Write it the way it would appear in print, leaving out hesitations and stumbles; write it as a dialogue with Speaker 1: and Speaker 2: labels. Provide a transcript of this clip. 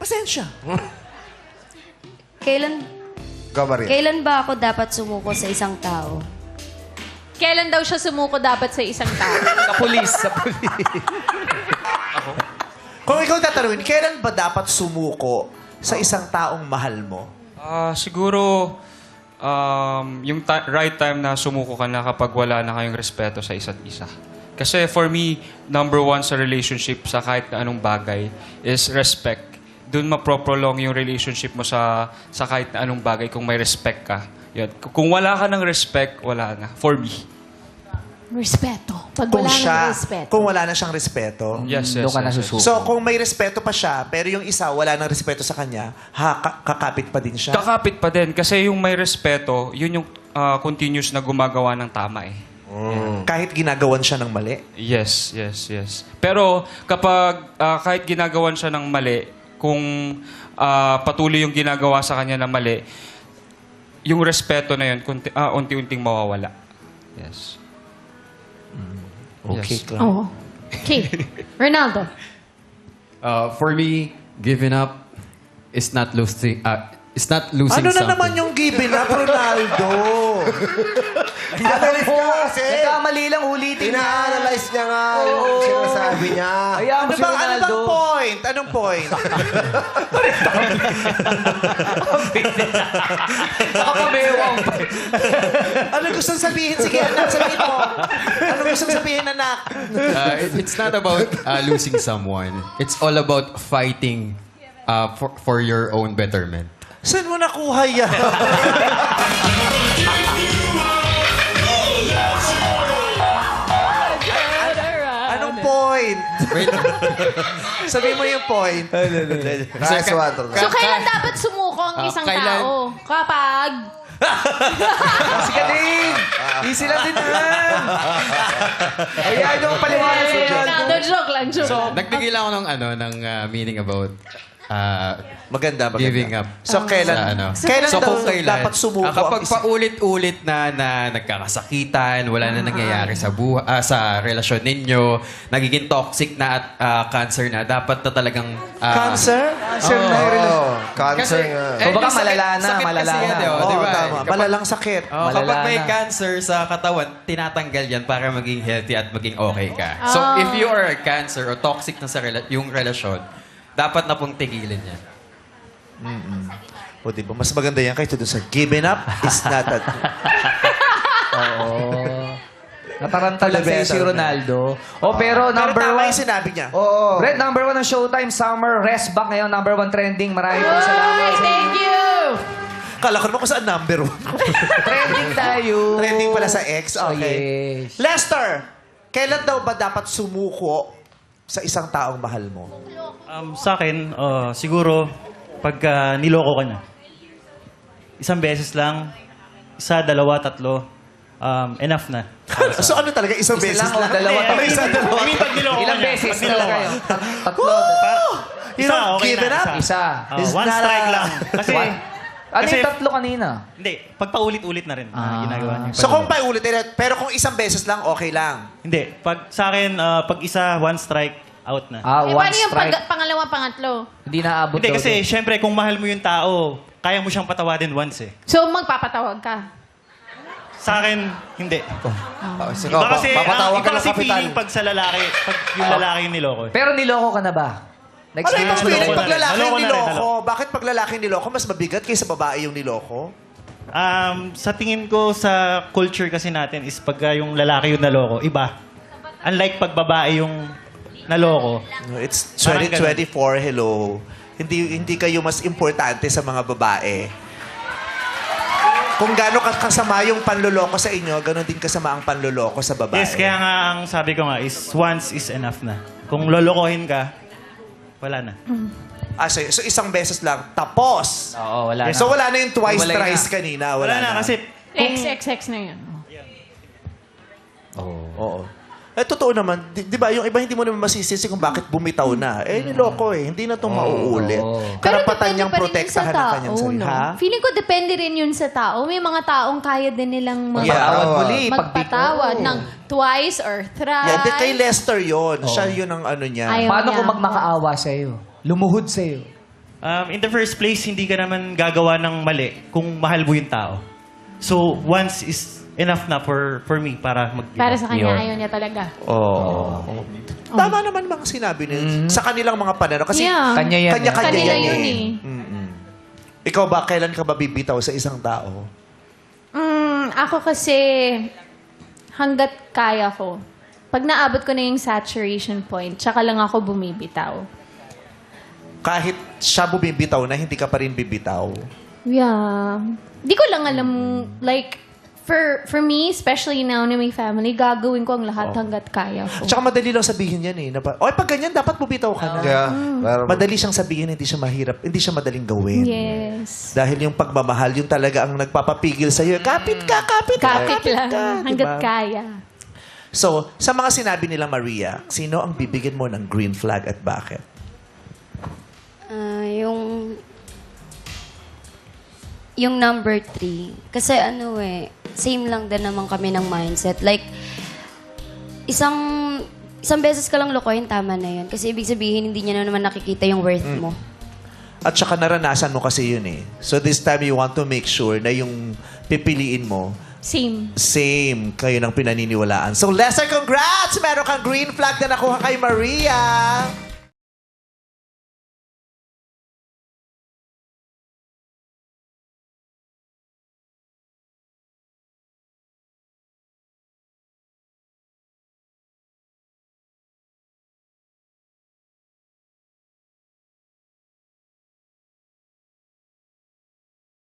Speaker 1: Pasensya.
Speaker 2: Kailan ba ako dapat sumuko sa isang tao?
Speaker 3: Kailan daw siya sumuko dapat sa isang tao?
Speaker 4: Sa pulis.
Speaker 1: Kung ikaw tatanungin, kailan ba dapat sumuko sa isang taong mahal mo?
Speaker 5: Siguro, yung right time na sumuko ka na kapag wala na kayong respeto sa isa't isa. Kasi for me, number one sa relationship sa kahit na anong bagay is respect. Doon maproprolong yung relationship mo sa kahit na anong bagay kung may respect ka. Yun. Kung wala ka ng respect, wala na. For me.
Speaker 3: Respeto. Pag
Speaker 1: Kung
Speaker 3: wala
Speaker 1: siya,
Speaker 3: ng respeto.
Speaker 1: kung wala na siyang respeto.
Speaker 5: Yes, yes,
Speaker 4: Doon ka
Speaker 5: yes, yes.
Speaker 4: nasusuko.
Speaker 1: So, kung may respeto pa siya, pero yung isa wala nang respeto sa kanya, kakapit pa din siya.
Speaker 5: Kakapit pa din. Kasi yung may respeto, yun yung continuous na gumagawa ng tama eh.
Speaker 1: Kahit ginagawan siya ng mali.
Speaker 5: Yes, yes, yes. Pero kapag kahit ginagawan siya ng mali, kung patuloy yung ginagawa sa kanya na mali, yung respeto na yun, unti-unting mawawala. Yes.
Speaker 1: Okay,
Speaker 5: Yes.
Speaker 1: Clark.
Speaker 3: Oo. Okay. Ronaldo.
Speaker 6: For me, giving up is not losing. It's not losing
Speaker 1: Ano na
Speaker 6: something.
Speaker 1: naman yung giving up, Ronaldo?
Speaker 7: Analyze ka kasi.
Speaker 4: Nagkamali lang ulitin.
Speaker 7: Ina-analyze niya nga yung sinasabi niya.
Speaker 4: Hayaan mo
Speaker 1: Ano
Speaker 4: si
Speaker 1: bang
Speaker 4: Ronaldo.
Speaker 1: point? Anong point?
Speaker 4: Nakapamewang.
Speaker 1: Ano gusto sabihin? Sige, anak, sabihin mo. Ano gusto sabihin, anak?
Speaker 6: It's not about losing someone. It's all about fighting for your own betterment.
Speaker 1: Saan mo nakuha yan? Anong point? Sabihin mo yung point.
Speaker 7: Nice one, Ronaldo.
Speaker 3: So, kailan dapat sumuko ang isang tao? Kapag...
Speaker 4: Si Kading. Easy lang din yan. Hayaan nyo ang paliwanag si Ronaldo.
Speaker 3: Ronaldo, joke lang, joke lang.
Speaker 6: Nagbigay lang ako ng meaning about
Speaker 1: Maganda.
Speaker 6: giving up.
Speaker 1: So, kailan,
Speaker 6: Sa ano?
Speaker 1: kailan
Speaker 6: So,
Speaker 1: daw
Speaker 6: kung kailan,
Speaker 1: dapat sumuko
Speaker 6: kapag
Speaker 1: ang isa?
Speaker 6: paulit-ulit na nagkakasakitan, wala na nangyayari sa sa relasyon ninyo, nagiging toxic na at cancer na, dapat na talagang...
Speaker 1: Cancer? Cancer na yung relasyon.
Speaker 7: Cancer nga.
Speaker 4: So, baka
Speaker 6: yung
Speaker 4: malala na,
Speaker 6: sakit
Speaker 4: malala
Speaker 6: kasi yan,
Speaker 4: na.
Speaker 6: di ba?
Speaker 1: Oo,
Speaker 6: Di ba?
Speaker 1: tama. Malalang sakit.
Speaker 6: Kapag
Speaker 4: Malala
Speaker 6: may
Speaker 4: na.
Speaker 6: cancer sa katawan, tinatanggal yan para maging healthy at maging okay ka. So, if you are a cancer o toxic na sa yung relasyon, dapat na pong tigilan yan.
Speaker 1: O, di ba? Mas maganda yan kaysa doon sa giving up is not a...
Speaker 4: Natarantala sa'yo si Ronaldo. Pero number
Speaker 1: Pero tama
Speaker 4: one.
Speaker 1: yung sinabi niya.
Speaker 4: Oo. Brett, number one ng Showtime Summer Rest Back ngayon. Number one trending. Maraming po salamat.
Speaker 3: Ay, thank you!
Speaker 1: Kala ko naman kung saan number one.
Speaker 4: Trending tayo.
Speaker 1: Trending pala sa X. Okay.
Speaker 4: Yes.
Speaker 1: Lester, kailan daw ba dapat sumuko sa isang taong mahal mo?
Speaker 8: Sa akin, siguro, pagka niloko ka na, isang beses lang, isa, dalawa, tatlo, enough na.
Speaker 1: So ano talaga? Isang beses
Speaker 4: lang o
Speaker 1: lang?
Speaker 4: dalawa?
Speaker 1: Isa, dalawa.
Speaker 8: I mean, pag niloko
Speaker 4: Ilang
Speaker 8: ka na,
Speaker 4: beses
Speaker 8: pag niloko
Speaker 4: talaga
Speaker 8: ka.
Speaker 4: yun? Tatlo.
Speaker 1: You don't
Speaker 8: okay
Speaker 1: give
Speaker 8: na,
Speaker 1: it up?
Speaker 4: Isa.
Speaker 1: It's
Speaker 8: One
Speaker 1: not
Speaker 8: strike
Speaker 1: a-
Speaker 8: lang. Kasi,
Speaker 4: Ano
Speaker 8: kasi-
Speaker 4: yung tatlo kanina?
Speaker 8: hindi, pag paulit-ulit na rin ginagawa niya.
Speaker 1: So kung paulit, pero kung isang beses lang, okay lang.
Speaker 8: Hindi, pag sa akin, pag isa, one strike, out na.
Speaker 3: Eh,
Speaker 4: One
Speaker 3: paano yung
Speaker 4: strike.
Speaker 3: pangalawa, pangatlo?
Speaker 4: Hindi naabot
Speaker 8: Hindi,
Speaker 4: daw
Speaker 8: kasi
Speaker 4: doon.
Speaker 8: syempre, kung mahal mo yung tao, kaya mo siyang patawadin once eh.
Speaker 3: So, magpapatawag ka.
Speaker 8: Sa akin, hindi.
Speaker 7: Sige,
Speaker 8: Iba kasi,
Speaker 7: papatawag
Speaker 8: iba
Speaker 7: ka ng
Speaker 8: kasi
Speaker 7: kapitan.
Speaker 8: feeling pag sa lalaki, pag yung lalaki yung niloko.
Speaker 4: Pero niloko ka na ba?
Speaker 1: Ano
Speaker 4: Na-experience
Speaker 1: yung
Speaker 4: mo
Speaker 1: feeling
Speaker 8: naloko
Speaker 1: pag
Speaker 8: na rin.
Speaker 1: lalaki yung
Speaker 8: Naloko na rin,
Speaker 1: niloko?
Speaker 8: naloko.
Speaker 1: Bakit pag lalaki yung niloko, mas mabigat kaysa babae yung niloko?
Speaker 8: Sa tingin ko sa culture kasi natin is pag yung lalaki yung naloko, iba. Unlike pag babae yung naloko.
Speaker 1: It's
Speaker 8: Parang
Speaker 1: 2024, hello. Hindi kayo mas importante sa mga babae. Kung gaano kasama yung panloloko sa inyo, ganon din kasama ang panloloko sa babae.
Speaker 8: Yes, kaya nga ang sabi ko nga is once is enough na. Kung lolokohin ka, wala na.
Speaker 1: So isang beses lang, tapos.
Speaker 4: Oo, wala na.
Speaker 1: So wala na yung twice,
Speaker 4: Hiwalay na.
Speaker 1: thrice kanina.
Speaker 8: Wala na kasi
Speaker 3: XXX na yun.
Speaker 1: Oo. Totoo naman, di ba, yung iba hindi mo naman masisisi kung bakit bumitaw na. Niloko eh. Hindi na itong mauulit. Karapatan niyang protektahan ang kanyang sarili. Ha?
Speaker 3: Feeling ko depende rin yun sa tao. May mga taong kaya din nilang
Speaker 4: Magpatawad muli.
Speaker 3: magpatawad ng twice or thrice.
Speaker 1: Yan, di kay Lester yon. Siya yun ang ano niya.
Speaker 3: Ayaw
Speaker 4: Paano
Speaker 3: niya.
Speaker 4: kung magmakaawa sa'yo? Lumuhod sa'yo?
Speaker 8: In the first place, hindi ka naman gagawa ng mali kung mahal mo yung tao. So, once is enough na for me para mag
Speaker 3: Para sa kanya, ayaw niya talaga.
Speaker 1: Oo. Tama naman mga sinabi nila. Sa kanilang mga pananaw. Kasi
Speaker 3: Yeah.
Speaker 4: Kanya yan.
Speaker 1: kanya-kanya
Speaker 3: Kanila
Speaker 1: yan
Speaker 3: yun
Speaker 1: eh. Ikaw ba, kailan ka ba bibitaw sa isang tao?
Speaker 3: Ako kasi, hanggat kaya ko. Pag naabot ko na yung saturation point, tsaka lang ako bumibitaw.
Speaker 1: Kahit siya bumibitaw na, hindi ka pa rin bibitaw.
Speaker 3: Yeah. Di ko lang alam, like, for me, especially now na may family, gagawin ko ang lahat hanggat kaya ko.
Speaker 1: Tsaka madali lang sabihin yan eh. Oy, pag ganyan, dapat bumitaw ka na.
Speaker 7: Yeah. Pero,
Speaker 1: Madali siyang sabihin, hindi siya mahirap, hindi siya madaling gawin.
Speaker 3: Yes.
Speaker 1: Dahil yung pagmamahal, yung talaga ang nagpapapigil sa'yo. Kapit ka, kapit ka,
Speaker 3: Kapit lang.
Speaker 1: ka.
Speaker 3: Hanggat
Speaker 1: Diba?
Speaker 3: kaya.
Speaker 1: So, sa mga sinabi nila, Maria, sino ang bibigyan mo ng green flag at bakit?
Speaker 2: Yung number 3. Kasi same lang din naman kami ng mindset. Like, isang beses ka lang lokohin, tama na yun. Kasi ibig sabihin, hindi niya na naman nakikita yung worth mo.
Speaker 1: At saka naranasan mo kasi yun eh. So this time you want to make sure na yung pipiliin mo, same kayo ng pinaniniwalaan. So Lester, congrats! Meron kang green flag na nakuha kay Maria!